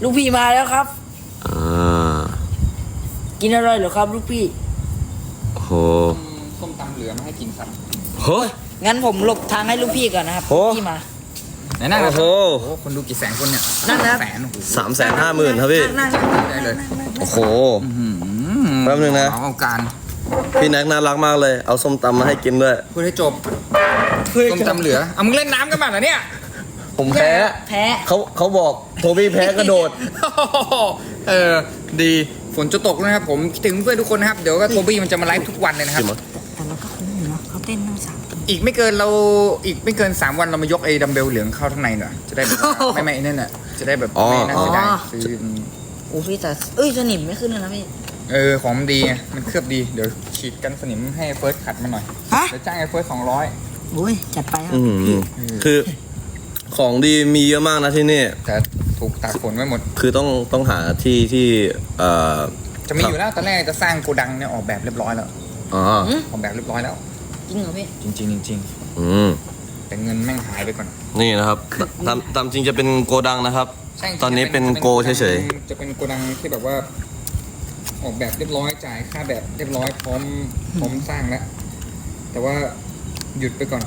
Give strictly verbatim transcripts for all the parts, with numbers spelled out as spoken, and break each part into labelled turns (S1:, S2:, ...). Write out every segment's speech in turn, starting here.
S1: ลูกพี่มาแล้วครับ
S2: อ่า
S1: กินอร่อยเหรอครับลูกพี่
S2: โห
S3: ส้มตำเหลือมาให้กินครับ
S2: โห
S1: งั้นผมหลบทางให้ลูกพี่ก่อนนะครับพี่มา
S3: ไหนนั่งนะ
S2: โอ้
S3: โหคนดูกี่แสนคนเนี่ย
S1: นั่งนะ
S3: แสน
S2: สามแสนห้าหมื่นครับพี่
S3: ได้เลย
S2: โอ้โหแป๊บนึงนะ
S3: เอาการ
S2: พี่แน็กน่ารักมากเลยเอาส้มตำมาให้กินด้วย
S3: พูดให้จบส้มตำเหลือเอามึงเล่นน้ำกันมาเหรอเนี่ย
S2: ผมแพ้
S1: แพ้
S2: เขาเขาบอกโทบี้แพ้กระโดด
S3: เออดีฝนจะตกนะครับผมคิดถึงเพื่อนทุกคนนะครับเดี๋ยวก็โทบี้มันจะมาไลฟ์ทุกวันเลยนะครับ
S1: แต่มันก็คุ้มอยู่นะเขาเต้นตั้งสาม
S3: อีกไม่เกินเราอีกไม่เกินสามวันเรามายกไอ้ดัมเบลเหลืองเข้าข้างในหน่อยจะได้แบบไม่ไม่นั่นน่ะจะได้แบบไม่น่าเสียดายซื้อ
S1: โอ้พี่แต่เอ้ยสนิมไม่ขึ้นเลยนะพี่
S3: เออของมันดีไงมันเคลือบดีเดี๋ยวฉีดกันสนิมให้เฟิร์สขัดมาหน่อยเดี๋ยวจ้างไอ้เฟิร์สสองร้อย
S1: โอ้ยจัดไปครับ
S2: พี่คือของดีมีเยอะมากนะที่นี่
S3: แต่ถูกตากฝนไว้หมด
S2: คือต้องต้องหาที่ที่เอ่อ
S3: จะมีอยู่แล้วตอนแรกจะสร้างโกดังเนี่ยออกแบบเรียบร้อยแล้ว
S2: อ๋อ
S3: ออกแบบเรียบร้อยแล้ว
S1: จริงเหรอพี่
S3: จริงจริงจริง
S2: อืม
S3: แต่เงินแม่งหายไปก่อน
S2: นี่นะครับตามตามจริงจะเป็นโกดังนะครับตอนนี้เป็นโกเฉย
S3: ๆจะเป็นโกดังที่แบบว่าออกแบบเรียบร้อยจ่ายค่าแบบเรียบร้อยพร้อมพร้อมสร้างแล้วแต่ว่าหยุดไปก่อน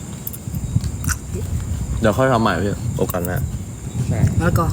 S2: เดี๋ยวค่อยทำใหม่พี่โอกาสนะ
S3: ใช่
S1: แล้วก็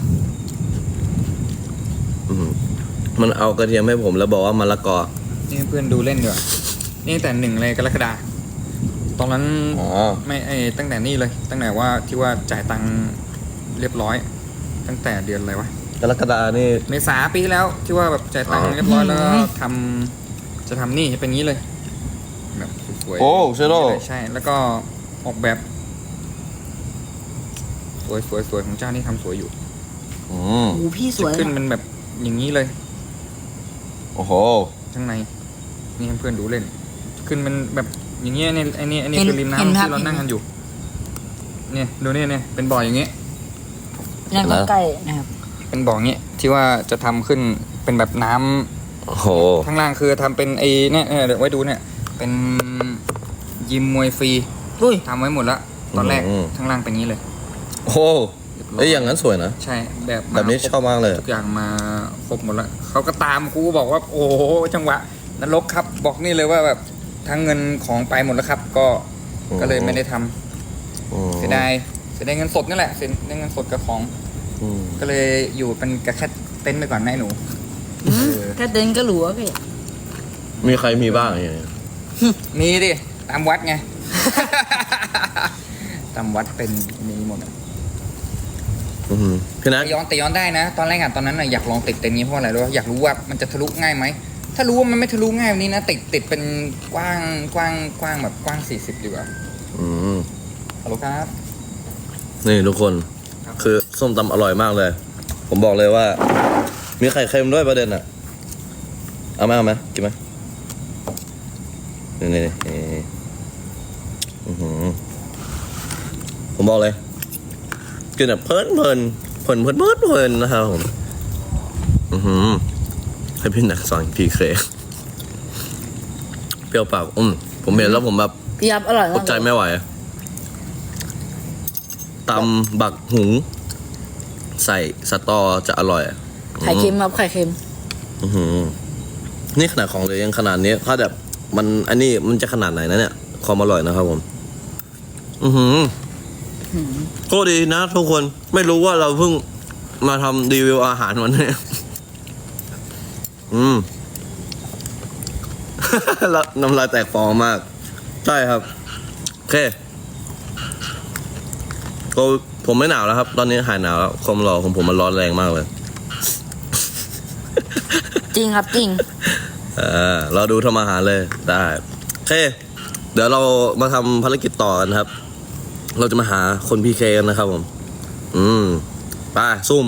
S2: มันเอากระเทียมให้ผมแล้วบอกว่ามะละกอ
S3: นี่เพื่อนดูเล่นด้วยนี่แต่หนึ่งเลยกรกฎาตอนนั้นไม่ไอ้ตั้งแต่นี่เลยตั้งแต่ว่าที่ว่าจ่ายตังค์เรียบร้อยตั้งแต่เดือนอะไรวะ
S2: กรกฎานี่
S3: เมษาปีที่แล้วที่ว่าแบบจ่ายตังค์เรียบร้อยแล้วทำจะทำนี่เป็นงี้เลยแบบสวย
S2: โอ้เชโร่
S3: ใช่แล้วก็ออกแบบสวยสวยสวยของเจ้านี่ทำสวยอยู่
S2: อืม
S1: โอ้พี่สวย
S3: ขึ้นมันแบบอย่างนี้เลย
S2: โอ้โห
S3: ข้างในนี่เพื่อนดูเล่นขึ้นมันแบบอย่างเงี้ยเนี่ยไอ้นี่ไอ้นี่คือริมน้ำที่เรานั่งกันอยู่เนี่ยดูเนี่ยเนี่ยเป็นบ่ออย่างเงี้ย
S1: นั่งใกล้นะครับ
S3: เป็นบ่อเงี้ยที่ว่าจะทำขึ้นเป็นแบบน้ำ
S2: โอ้โห
S3: ข้างล่างคือทำเป็นไอ้เนี่ยเดี๋ยวไว้ดูเนี่ยเป็นยิมมวยฟรีทำไว้หมดแล้วตอนแรกข้างล่างเป็นงี้เลย
S2: โอ้ไอ้อย่างนั้นสวยนะ
S3: ใช่แบบ
S2: แบบนี้ชอบมากเลย
S3: ทุกอย่างมาครบหมดแล้วเขาก็ตามครูบอกว่าโอ้โหจังหวะนรกครับบอกนี่เลยว่าแบบทั้งเงินของไปหมดแล้วครับก็ก็เลยไม่ได้ทำเสียดายเสียดายเงินสดนี่แหละเสียดายเงินสดกับของก็เลยอยู่เป็นกระแค่เต็นท์ไปก่อนแม่หนู
S1: แค่เต็นท์ก็หลัวพี่
S2: มีใครมีบ้างอย่างเงี้ย
S3: มีดิตามวัดไงตามวัดเป็นมีหมด
S2: พี่นัท
S3: ย้อนแต่ย้อนได้นะตอนแรกอ่ะตอนนั้นอ่ะอยากลองติดเต็นท์นี้เพราะอะไรรู้อยากรู้ว่ามันจะทะลุง่ายไหมถ้ารู้ว่ามันไม่ทะลุง่ายแบบนี้นะติดติดเป็นกว้างกว้างกว้างแบบกว้างสี่สิบดีกว่า
S2: อืม
S3: ฮัลโหลครับ
S2: นี่ทุกคนคือส้มตำอร่อยมากเลยผมบอกเลยว่ามีไข่เค็มด้วยประเด็นอ่ะเอาไหมเอาไหมกินไหมนี่นี่นี่ผมบอกเลยกินแบบเพลินเพลินเพลินเพลินเพลินเพลินนะครับผมอือหือให้พี่หนักสอนพีเคเปรี้ยวปากอืมผมเห็นแล้วผมแบบ
S1: พี่ยับอร่อยมาก
S2: อดใจไม่ไหวตำบักหุงใส่สตอจะอร่อย
S1: ไข่เค็มครับไข่เค็ม
S2: อือหือนี่ขนาดของเลยยังขนาดนี้ถ้าแบบมันอันนี้มันจะขนาดไหนนะเนี่ยความอร่อยนะครับผมอือหือก็ดีนะทุกคนไม่รู้ว่าเราเพิ่งมาทำรีวิวอาหารวันนี้อืมแล้วน้ำลายแตกฟองมากใช่ครับโอเคก็ผมไม่หนาวแล้วครับตอนนี้หายหนาวแล้วความร้อนของผมมันร้อนแรงมากเลย
S1: จริงครับจริง
S2: เออเราดูทำอาหารเลยได้โอเคเดี๋ยวเรามาทำภารกิจต่อกันครับเราจะมาหาคนพีเคกันนะครับผมอืมไปซุ่ม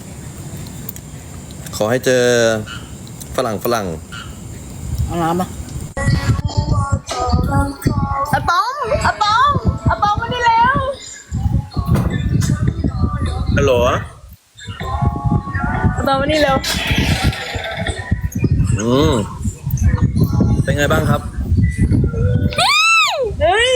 S2: ขอให้เจอฝรั่งฝรั่ง
S1: เอาน้ำมา
S4: อะปองอะปองอะปองมาได้แล้ว
S2: ฮัลโหล
S4: อะปองมานี่เร็ว
S2: อืมเป็นไงบ้างครับ
S4: เฮ้ย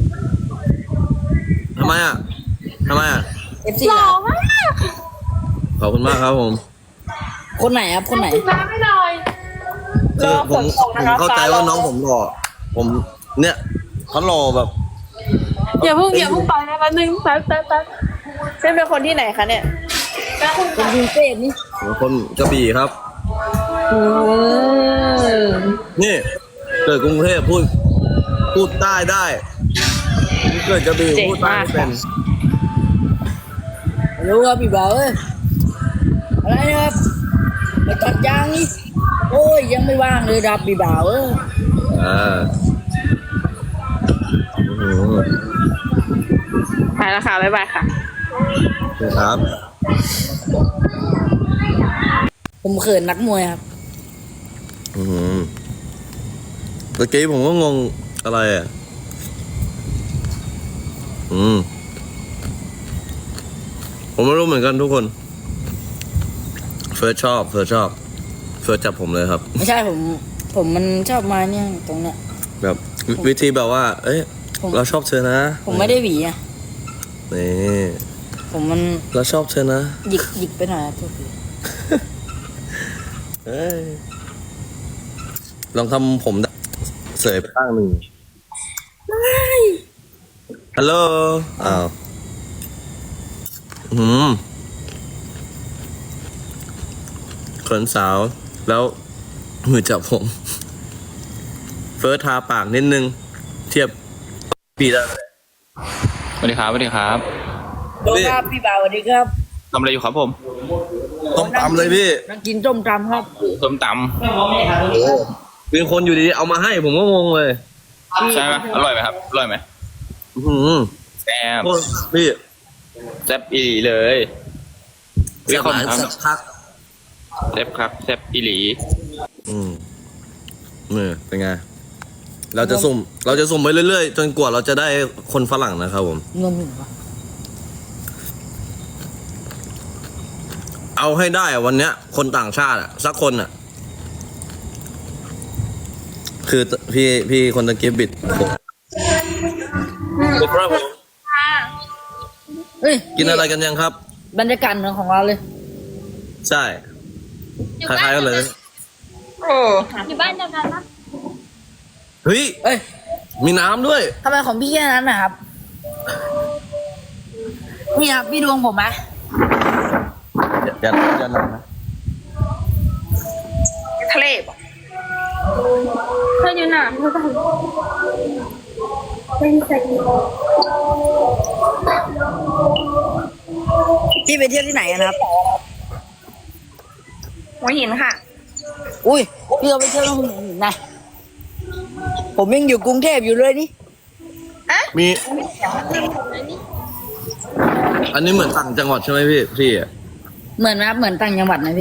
S2: ทำไมอ่ะทำไมอ่ะ
S4: หล่อมาก
S2: ขอบคุณมากครับผม
S1: คนไหนครับ คนไหน
S4: น้ำให้หน่อย
S2: คือผมผมเข้าใจว่าน้องผมหล่อผมเนี่ยเขาหล่อแบบ
S4: อย่าเพิ่งอย่าเพิ่งไปนะแป๊บนึงแป๊บแป๊บแป๊บเส้นเป็นคนที่ไหนคะเนี่ย
S1: คนกรุงเทพนี่
S2: คนกระบี่ครับ
S4: อืม
S2: นี่เกิดกรุงเทพพูด พูดใต้ได้เกิดกระบี่พูดใต้ไม่เป็น
S1: รู้ครับพี่บ่าวเอ้ยอะไรนะครับไปตัดยางนี่โอ้ยยังไม่ว่างเลยครับพี่บ่าวเอ้ย
S2: อ่าโอ้โห
S4: ไปแล้วค่ะบ๊ายบายค่ะ
S2: ครับ
S1: ผมเขินนักมวยครับ
S2: อืมตะกี้ผมก็งงอะไรอ่ะ อืม ผมไม่รู้เหมือนกันทุกคน เฟิร์สชอบ เฟิร์สชอบ เฟิร์สจับผมเลยครับ
S1: ไม่ใช่ผม ผมมันชอบมาเนี่ยตรงเนี้ย
S2: แบบวิวิธีแบบว่า เอ้ย
S1: ผม
S2: เราชอบเธอนะ
S1: ผมไม่ได้หวีอ่ะ
S2: นี่
S1: ผมมัน
S2: เราชอบเธอนะ
S1: หยิกหยิกไปหน่อยครับทุกที
S2: เอ้ยลองทำผมเสยไปข้างหนึ่งฮัลโหล อ้าวอืมขนสาว แล้วมือจับผม เฟิร์สทาปากนิดนึง เทียบปีได้เลย
S3: สวัสดีครับสวัสดีครับ
S1: โดนครับพี่บ่าวสวัสดีครับ
S3: ทำอะไรอยู่ครับผม
S2: ต้มตำเลยพี่
S1: นั่งกินต้มตำครับ
S3: ส้มต
S2: เป็นคนอยู่ดีๆเอามาให้ผมก็งงเลย
S3: ำใช่ไหมอร่อยไหมครับอร่อยไหม
S2: อื้อหือ
S3: แซ่บ
S2: โคตรพี่
S3: แซ่บอีหลีเลย
S2: เสียบหลาย
S3: ครับ
S2: สักพัก
S3: แซ่บครับแซ่บอีหลี
S2: อืมนี่เป็นไง เราจะสุ่ม เราจะสุ่มไปเรื่อยๆ จนกว่าเราจะได้คนฝรั่งนะครับผม
S1: เงินหนึ่งปะ
S2: เอาให้ได้อะวันเนี้ย คนต่างชาติอะสักคนอะคือพี่พี่คนตะกี้บิดผมบิดครับผม
S1: เฮ้ย
S2: กินอะไรกันยังครับ
S1: บรรยากาศเหมือนของเราเลย
S2: ใช่คล้ายๆกันเลย
S3: โอ้
S4: อยู่บ้านเดียวกันนะ
S2: เฮ้ย
S1: เอ้ย
S2: มีน้ำด้วย
S1: ทำไมของพี่แค่นั้นนะครับ นี่ครับพี่ดวงผมไหม
S2: อย่าอย่าหนักนะ
S4: ทะเลปะเธออยู่ไหนเป็นใส่
S1: พี่ไปเที่ยวที่ไหนกันครับ
S4: หัวหินค่ะ
S1: อุ้ยพี่เราไปเที่ยวที่หัวหินนะผมยังอยู่กรุงเทพอยู่เลยนี่
S2: มี อันนี้เหมือนต่างจังหวัดใช่ไหมพี่พี่อะ
S1: เหมือนไหมครับเหมือนต่างจังหวัดนะพี่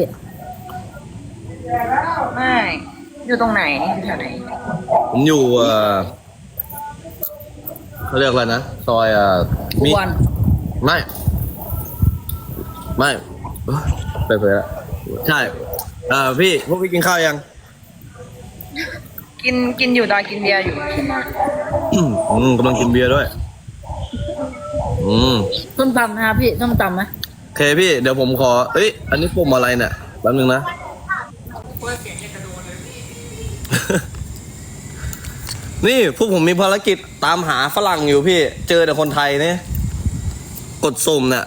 S4: ไม่ อยู่ตรงไหนแถวไหน
S2: ผมอยู่เอ่อเขาเรียกอะไรนะซอยอ่ะ
S1: ทุก
S2: มี
S1: วัน
S2: ไม่ ไม่เอ้ยไปเผยละใช่เอ่อพี่พวกพี่กินข้าวยัง
S4: กินกินอยู่ตอนกินเบียร์อยู่
S2: อืมกำลังกินเบียร์ด้วย อืม
S1: ต้มตำนะครับพี่ต้มตำไหม
S2: โอเคพี่ เดี๋ยวผมขอ เอ้ย อันนี้ปุ่มอะไรเนี่ยแป๊บนึงนะ นี่พวกผมมีภารกิจตามหาฝรั่งอยู่พี่ เจอแต่คนไทยเนี่ย กดสุ่มเนี่ย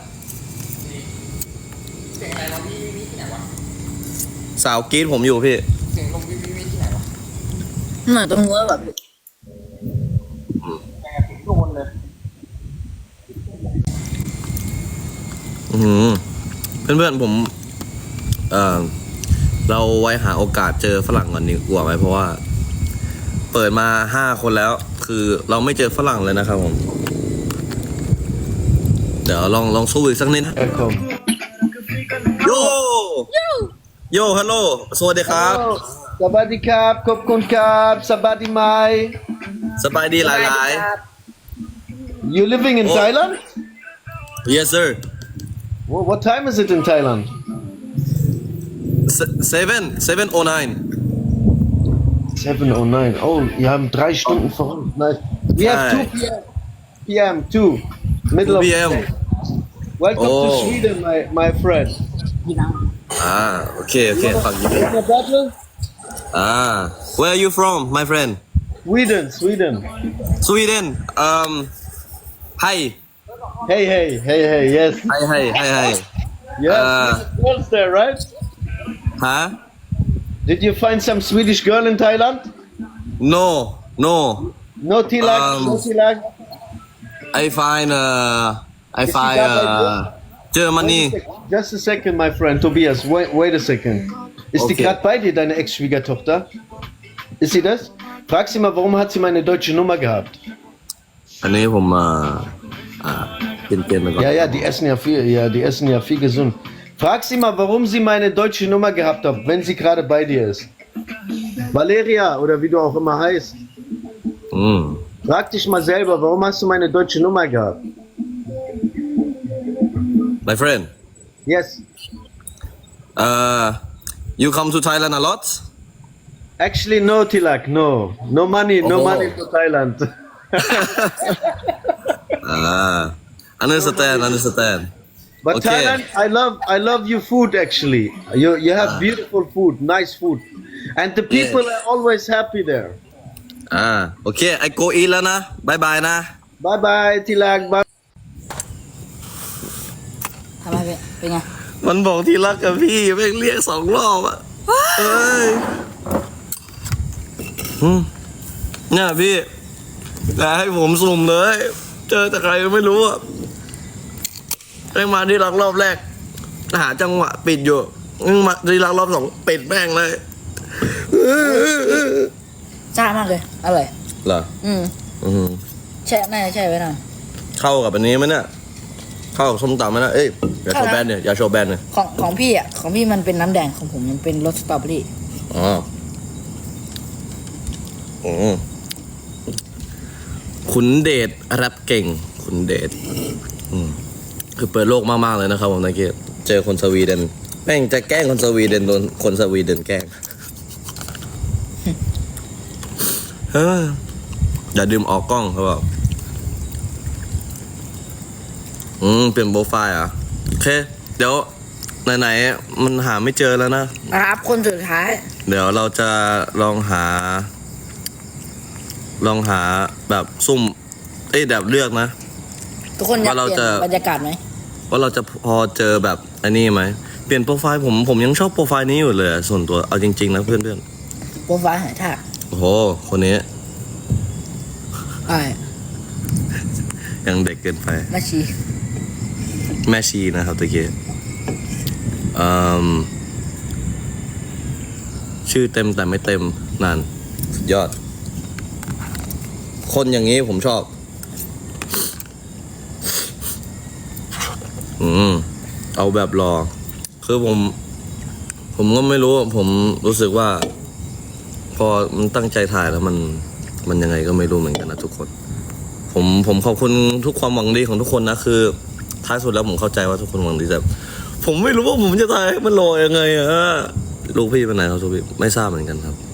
S2: สาวกรีดผมอยู่พี่
S1: เหมือนตรงนู้นแบบ
S2: อืมเพื่อนๆผม เอ่อ เราไว้หาโอกาสเจอฝรั่งก่อนดีกว่าไหมเพราะว่า เปิดมาห้าคนแล้ว คือเราไม่เจอฝรั่งเลยนะครับผม เดี๋ยวลองลองสู้อีกสักนิดโย โยฮัลโหล สวัสดีครับ
S5: สวัสดีครับขอบคุณครับสบายดีไหม
S2: สบายดีหลาย
S5: You living in
S2: Oh.
S5: Thailand?
S2: ๆ yes sir
S5: Well, what time is it in Thailand?
S2: Se- seven seven oh nine
S5: seven oh nine. Oh, wir haben drei Stunden vor uns. Nice. We have two P M. two. Middle of
S2: two
S5: the
S2: p m
S5: day. Welcome to
S2: Oh.
S5: Sweden, my, my friend.
S1: พี่น้อง
S2: อ่าโอเคโอเคฝากยินดี
S5: No problem.
S2: อ่า where are you from my friend
S5: Sweden, Sweden.
S2: Sweden um hi
S5: Hey, hey, hey, hey. Yes,
S2: hi hi hi hi
S5: yes.
S2: Uh,
S5: Swedish girls there, right?
S2: huh
S5: Did you find some Swedish girl in Thailand?
S2: no no
S5: No Tilak,
S2: Um,
S5: no Tilak.
S2: I find uh I find uh Germany
S5: Just a second, my friend Tobias. Wait, wait a second. Ist die
S2: Okay.
S5: gerade bei dir, deine Ex-Schwiegertochter? Ist sie das? Frag sie mal, warum hat sie meine deutsche Nummer gehabt?
S2: อันนี้ผมมาอ่าเป็นเกมไปก่อน
S5: Ja, ja, die essen ja viel, ja, die essen ja viel gesund. Frag sie mal, warum sie meine deutsche Nummer gehabt hat, wenn sie gerade bei dir ist. Valeria oder wie du auch immer heißt.
S2: อืม
S5: Frag dich mal selber, warum hast du meine deutsche Nummer gehabt?
S2: my friend
S5: Yes.
S2: uh you come to Thailand a lot
S5: Actually, no, Tilak, no. No money, no
S2: Oh.
S5: money to Thailand.
S2: อ่า understand understand
S5: But
S2: Okay.
S5: Thailand, I love, I love your food actually. You, you have beautiful food, nice food, and the people are always happy there.
S2: อ่าโอเค I go eat แล้วนะบายบายนะ
S5: Bye bye, Tilak. Bye.
S1: ทำไมเป็นเป็นไง
S2: มันบอกที่รักกับพี่แม่งเรียกสองรอบอ่ะเอ้ยอืมเนี่ยพี่แต่ให้ผมสุ่มเลย เจอแต่ใครก็ไม่รู้อ่ะแม่งมาที่รักรอบแรก หาจังหวะปิดอยู่แม่งมาที่รักรอบสองปิดแม่งเลย
S1: ซ่ามากเลยอร่อย
S2: เหรอ
S1: อืม
S2: อืม
S1: แช่น่าจะแช่ไว้นาน
S2: เข้ากับอันนี้ไหมเนี่ยเข้ากับส้มตำไหมนะเอ้ยอย่าโชว์แบนเนี่ยอย่าโชว์แบนเนี่ย
S1: ของของพี่อ่ะของพี่มันเป็นน้ำแดงของผมมันเป็นรสสตรอเบอรี่
S2: อ๋ออืมขุนเดชแรปเก่ง ขุนเดชอืมคือเปิดโลกมากๆเลยนะครับผมตะกี้เจอคนสวีเดนแม่งจะแกล้งคนสวีเดนโดนคนสวีเดนแกล้งเฮ้ยอย่าดื่มออกกล้องเขาบอกอืมเปลี่ยนโปรไฟล์อ่ะโอเค เดี๋ยวไหนๆมันหาไม่เจอแล้วนะ
S1: นะครับคนสุดท้าย
S2: เดี๋ยวเราจะลองหา ลองหาแบบซุ่ม เอ้ยแบบเลือกนะ
S1: ทุกคนอยาก
S2: ว่าเรา
S1: เปลี่ยน
S2: จะ
S1: บรรยากาศไหม
S2: ว่าเราจะพอเจอแบบอันนี้ไหมเปลี่ยนโปรไฟล์ผมผมยังชอบโปรไฟล์นี้อยู่เลยอะส่วนตัวเอาจริงๆนะเพื่อน
S1: โปรไฟล์หายทาก
S2: ๆโอ้โหคนนี้
S1: ใช่
S2: ยังเด็กเกินไป
S1: แม่ชี
S2: แม่ชีนะครับตะกี้อืมชื่อเต็มแต่ไม่เต็มนั่นสุดยอด คนอย่างนี้ผมชอบ อืมเอาแบบรอ คือผม ผมก็ไม่รู้ ผมรู้สึกว่า พอมันตั้งใจถ่ายแล้วมัน มันยังไงก็ไม่รู้เหมือนกันนะทุกคน ผมผมขอบคุณทุกความหวังดีของทุกคนนะคือ ท้ายสุดแล้วผมเข้าใจว่าทุกคนหวังดีแต่ผมไม่รู้ว่าผมจะถ่ายให้มันรอยังไงอะลูกพี่ไปไหนครับลูกพี่ไม่ทราบเหมือนกันครับ